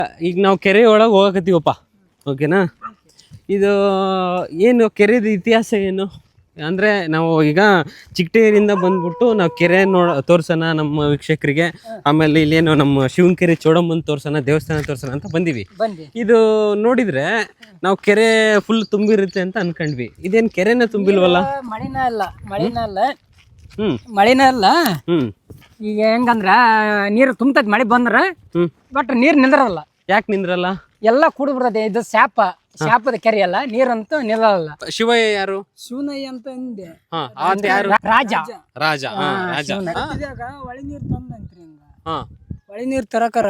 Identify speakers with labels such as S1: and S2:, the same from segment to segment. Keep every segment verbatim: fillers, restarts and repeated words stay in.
S1: ಈಗ ನಾವು ಕೆರೆ ಒಳಗೆ ಹೋಗಕತ್ತೀವಪ್ಪ, ಓಕೆನಾ? ಇದು ಏನು ಕೆರೆದು ಇತಿಹಾಸ ಏನು ಅಂದರೆ, ನಾವು ಈಗ ಚಿಕ್ಕಟೇರಿಂದ ಬಂದ್ಬಿಟ್ಟು ನಾವು ಕೆರೆ ನೋಡ ತೋರ್ಸೋಣ ನಮ್ಮ ವೀಕ್ಷಕರಿಗೆ, ಆಮೇಲೆ ಇಲ್ಲೇನು ನಮ್ಮ ಶಿವನಕೆರೆ ಚೋಡಮ್ಮನ ತೋರ್ಸೋಣ, ದೇವಸ್ಥಾನ ತೋರ್ಸೋಣ ಅಂತ ಬಂದೀವಿ. ಇದು ನೋಡಿದ್ರೆ ನಾವು ಕೆರೆ ಫುಲ್ ತುಂಬಿರುತ್ತೆ ಅಂತ ಅನ್ಕೊಂಡ್ವಿ. ಇದೇನು ಕೆರೆನ ತುಂಬಿಲ್ವಲ್ಲ?
S2: ಮಳಿನ ಅಲ್ಲ ಮಳಿನ ಅಲ್ಲ
S1: ಹ್ಮ್
S2: ಮಳಿನ ಅಲ್ಲ
S1: ಹ್ಮ್
S2: ಈಗ ಹೆಂಗಂದ್ರ ನೀರು ತುಂಬತೈತಿ ಮಳೆ ಬಂದ್ರ,
S1: ಹ್ಮ್
S2: ಬಟ್ ನೀರ್ ನಿಂದ್ರಲ್ಲ.
S1: ಯಾಕೆ ನಿಂದ್ರಲ್ಲ?
S2: ಎಲ್ಲ ಕೂಡ್ ಬಿಡ್ತೈತಿ. ಇದು ಶಾಪ ಶಾಪದ ಕೆರೆ ಅಲ್ಲ, ನೀರಂತೂ ನಿಲ್ಲಲ್ಲ.
S1: ಶಿವಯ್ಯ ಯಾರು?
S2: ಶಿವನಯ್ಯ ಅಂತ ಅಂದೆ.
S1: ಹಾ ಅಂತ ಯಾರು?
S2: ರಾಜ
S1: ರಾಜ. ಹಾ ರಾಜ.
S2: ಒಳಿ ನೀರ್ ತಂದಂತ್ರಿ. ಹಿಂಗ
S1: ಹಾ
S2: ಒಳಿ ನೀರ್ ತರಕರ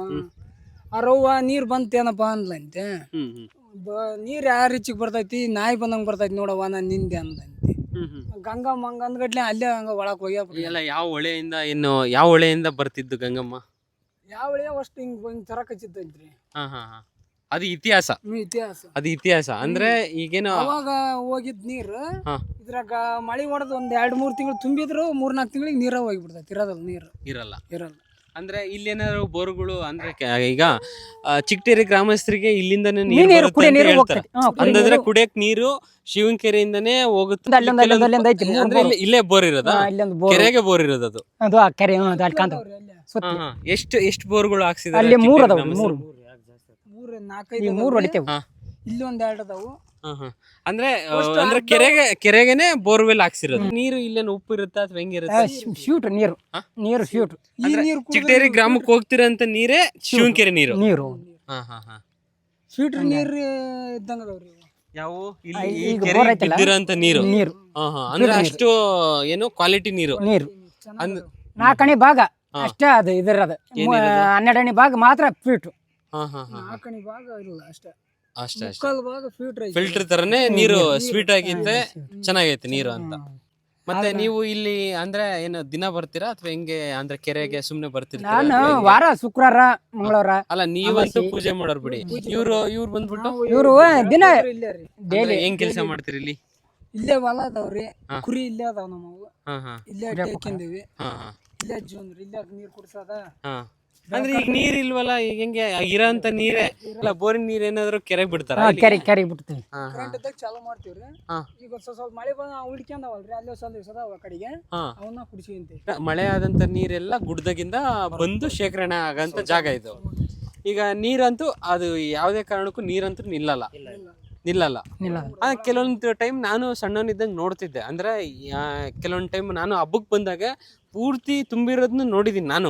S2: ಅರವ್ವ ನೀರ್ ಬಂತೇನಪ್ಪ ಅಂದ್ಲಂತೆ.
S1: ಹ್ಮ್ ಹ್ಮ್
S2: ನೀರ್ ಯಾವ ರೀಚಿಗೆ ಬರ್ತೈತಿ, ನಾಯಿ ಬಂದಂಗ ಬರ್ತೈತಿ ನೋಡವ್ವ ನಾನ್ ನಿಂದೆ ಅಂದಂತೆ.
S1: ಹ್ಮ್ ಹ್ಮ್
S2: ಗಂಗಾ ಮಂಗಂದ್ಗಡ್ಲೆ ಅಲ್ಲೇ ಹಂಗ ಒಳಕ್ ಹೋಗ್ಯ.
S1: ಎಲ್ಲ ಯಾವ ಹೊಳೆಯಿಂದ ಇನ್ನು ಯಾವ ಹೊಳೆಯಿಂದ ಬರ್ತಿದ್ದು ಗಂಗಮ್ಮ?
S2: ಯಾವ ಹೊಳೆ ಅಷ್ಟು ಹಿಂಗ್ ಹಿಂಗ್ ತರಕ ಹಚ್ಚಿದ್ದೈತ್ರಿ.
S1: ಹಾ ಹಾ ಹಾ ಅದು ಇತಿಹಾಸ.
S2: ಇತಿಹಾಸ
S1: ಅದು ಇತಿಹಾಸ ಅಂದ್ರೆ ಈಗೇನು
S2: ಅವಾಗ ಹೋಗಿದ್ ನೀರು
S1: ಹಾ
S2: ಇದ್ರಾಗ ಮಳಿ ಹೊಡೆದ್ ಒಂದ್ ಎರಡ್ ಮೂರ್ ತಿಂಗಳು ತುಂಬಿದ್ರು ಮೂರ್ ನಾಲ್ಕು ತಿಂಗಳಿಗೆ ನೀರ ಹೋಗಿಬಿಡ್ತೈತಿ. ಇರೋದಲ್ಲ ನೀರು
S1: ಇರಲ್ಲ
S2: ಇರಲ್ಲ.
S1: ಅಂದ್ರೆ ಇಲ್ಲೇನಾದ್ರು ಬೋರ್ಗಳು ಅಂದ್ರೆ ಕೆ- ಈಗ ಆ, ಚಿಕ್ಕಟೇರಿ ಗ್ರಾಮಸ್ಥರಿಗೆ ಇಲ್ಲಿಂದಾನೇ ನೀರು
S2: ನೀರು
S1: ಬರುತ್ತೆ
S2: ಕುಡಿಯೋ
S1: ಅಂತ
S2: ನೀರು
S1: ಹೇಳ್ತಾರೆ.
S2: ಹೋಗ್ತೈತಿ. ಹಾ, ಕುಡಿಯೋ
S1: ಅಂತಂದ್ರೆ
S2: ನೀರು.
S1: ಕುಡಿಯಕ್ ನೀರು ಶಿವನಕೆರೆಯಿಂದಾನೇ ಹೋಗುತ್ತೆ.
S2: ಅಲ್ಲೊಂದು ಅಲ್ಲೊಂದು
S1: ಕೆಲವೊಂದು-
S2: ಅಲ್ಲೊಂದು ಐತಿ, ಮೂರು
S1: ಅಂದ್ರೆ ಇಲ್ಲಿ- ಇಲ್ಲೇ ಬೋರ್ ಇರೋದ?
S2: ಹಾ, ಇಲ್ಲೊಂದು ಬೋರ್.
S1: ಕೆರೆಗೆ ಬೋರ್ ಇರೋದು ಅದು?
S2: ಅದು ಆ ಕೆರೆ ಹ್ಮ್, ಅದು ಅಲ್ಲಿ ಕಾಣ್ತಾವ
S1: ಹಾ ಹಾ ಎಷ್ಟು ಎಷ್ಟು ಬೋರ್ಗಳು ಹಾಕ್ಸಿದಾರೆ
S2: ಅಲ್ಲಿ ಮೂರ್
S1: ಚಿಕ್ಕಟೇರಿ
S2: ಅದಾವ.
S1: ಗ್ರಾಮಸ್ಥರು?
S2: ಮೂರು ಮೂರ್ ನಾಲ್ಕೈದು ಮೂರು ಹೊಡಿತೇವೆ.
S1: ಹಾ
S2: ಇಲ್ಲಿ ಒಂದ್ ಎರಡು ಅದಾವು.
S1: ಹಾ ಹಾ ಅಂದ್ರೆ ಆ, ಅಂದ್ರೆ ಕೆರೆಗೆ ಕೆರೆಗೆನೆ ಬೋರ್ವೆಲ್ ಹಾಕ್ಸಿರೋದು. ನೀರು ಇಲ್ಲೇನು ಉಪ್ಪು ಇರುತ್ತಾ ಅಥವಾ ಹೆಂಗಿರುತ್ತೆ?
S2: ಶೂಟ್ ನೀರು ನೀರು ಶೂಟ್
S1: ಅಂದ್ರೆ ಚಿಕ್ಕಟೇರಿ ಗ್ರಾಮಕ್ಕೆ ಹೋಗ್ತಿರಂತ ನೀರೇ ಶಿವನಕೆರೆ ನೀರು.
S2: ನೀರು
S1: ಹಾ ಹಾ ಹಾ
S2: ಫಿಲ್ಟರ್ ನೀರು ಇದ್ದಂಗ ಅದಾವ್ರಿ.
S1: ಯಾವ ಇಲ್ಲಿ ಈ
S2: ಈಗ
S1: ಕೆರೆ
S2: ಬೋರ್ ಐತಲ್ಲ,
S1: ಬಿದ್ದಿರೋಂತ ನೀರು?
S2: ನೀರು
S1: ಹಾ ಹಾ ಅಂದ್ರೆ ಅಷ್ಟು ಏನು ಕ್ವಾಲಿಟಿ ನೀರು?
S2: ನೀರು
S1: ಅಂದ್
S2: ನಾಲ್ಕಣಿ ಭಾಗ ಅಷ್ಟೇ ಅದು ಇದರದ. ಹನ್ನೆರಡನೇ ಭಾಗ ಮಾತ್ರ ಫಿಲ್ಟರ್.
S1: ಹಾ ಹಾ ಹಾ
S2: ನಾಲ್ಕಣಿ ಭಾಗ ಇಲ್ಲ ಅಷ್ಟೇ.
S1: ಅಷ್ಟೇ ಅಷ್ಟೇ.
S2: ಮುಕ್ಕಾಲ್ ಭಾಗ ಫಿಲ್ಟರ್ ಐತಿ.
S1: ಫಿಲ್ಟರ್ ತರನೇ ನೀರು ಸ್ವೀಟ್ ಆಗಿತ್ತೆ, ಚೆನ್ನಾಗೈತೆ ನೀರು ಅಂತ. ಮತ್ತೆ ನೀವು ಇಲ್ಲಿ ಅಂದ್ರೆ ಏನು ದಿನ ಬರ್ತೀರಾ ಅಥವಾ ಹೆಂಗೆ? ಅಂದ್ರೆ ಕೆರೆಗೆ ಸುಮ್ನೆ ಬರ್ತಿರ್ತೀರಾ?
S2: ನಾನು ವಾರ ಶುಕ್ರವಾರ ಮಂಗಳವಾರ.
S1: ಅಲ್ಲ ನೀವಂತೂ ಪೂಜೆ ಮಾಡೋರ್ ಬಿಡಿ. ಇವ್ರು ಇವ್ರು ಬಂದ್ಬಿಟ್ಟು
S2: ಇವರು ದಿನ
S1: ಅಂದ್ರೆ
S2: ಡೈಲಿ
S1: ಹೆಂಗ್ ಕೆಲಸ ಮಾಡ್ತೀರಿ ಇಲ್ಲಿ?
S2: ಇಲ್ಲೇ ಹೊಲ ಅದಾವ್ರಿ, ಕುರಿ ಇಲ್ಲೇ ಅದಾವ ನಮ್ಮವು.
S1: ಹಾ ಹಾ
S2: ಇಲ್ಲೇ ಹಾಕಿಂದಿವಿ.
S1: ಹಾ ಹಾ
S2: ಇಲ್ಲೇ ಜೂನ್ ಇಲ್ಲೇ ನೀರ್ ಕುಡ್ಸದ.
S1: ಹಾ ಅಂದ್ರೆ ಈಗ ನೀರ್ ಇಲ್ವಲ್ಲ, ಈಗ ಹೆಂಗೆ ಇರೋಂತ ನೀರೇ ಅಲ್ಲ? ಬೋರಿನ ನೀರ್ ಏನಾದ್ರು ಕೆರೆಗೆ ಬಿಡ್ತಾರ?
S2: ಕೆರೆ ಕೆರೆ ಬಿಡ್ತೀವಿ.
S1: ಹಾ ಹಾ
S2: ಕರೆಂಟ್ ಇದ್ದಾಗ ಚಾಲು ಮಾಡ್ತೀವ್ರಿ.
S1: ಹಾ.
S2: ಈಗ ಸ್ವಲ್ಪ ಸ್ವಲ್ಪ ಮಳೆ ಬಂದ ಉಳ್ಕೊಂಡವಲ್ರಿ, ಅಲ್ಲೇ ಸ್ವಲ್ಪ ದಿವಸ ಅದಾವ ಕಡೆಗೆ,
S1: ಹಾ
S2: ಅವನ್ನ ಕುಡಿಸಿಂತೀವಿ.
S1: ಮಳೆ ಆದಂತ ನೀರೆಲ್ಲ ಗುಡ್ಡದಾಗಿಂದ ಬಂದು ಶೇಖರಣೆ ಆಗಂತ ಜಾಗ ಇದು. ಈಗ ನೀರಂತೂ ಅದು ಯಾವುದೇ ಕಾರಣಕ್ಕೂ ನೀರಂತೂ ನಿಲ್ಲಲ್ಲ ನಿಲ್ಲಲ್ಲ
S2: ಇಲ್ಲ
S1: ಆ, ಕೆಲವೊಂದು ಟೈಮ್ ನಾನು ಸಣ್ಣವನಿದ್ದಂಗೆ ನೋಡ್ತಿದ್ದೆ. ಅಂದ್ರೆ ಆ, ಕೆಲವೊಂದು ಟೈಮ್ ನಾನು ಹಬ್ಬಕ್ಕೆ ಬಂದಾಗ ಪೂರ್ತಿ ತುಂಬಿರೋದನ್ನ ನೋಡಿದೀನಿ ನಾನು.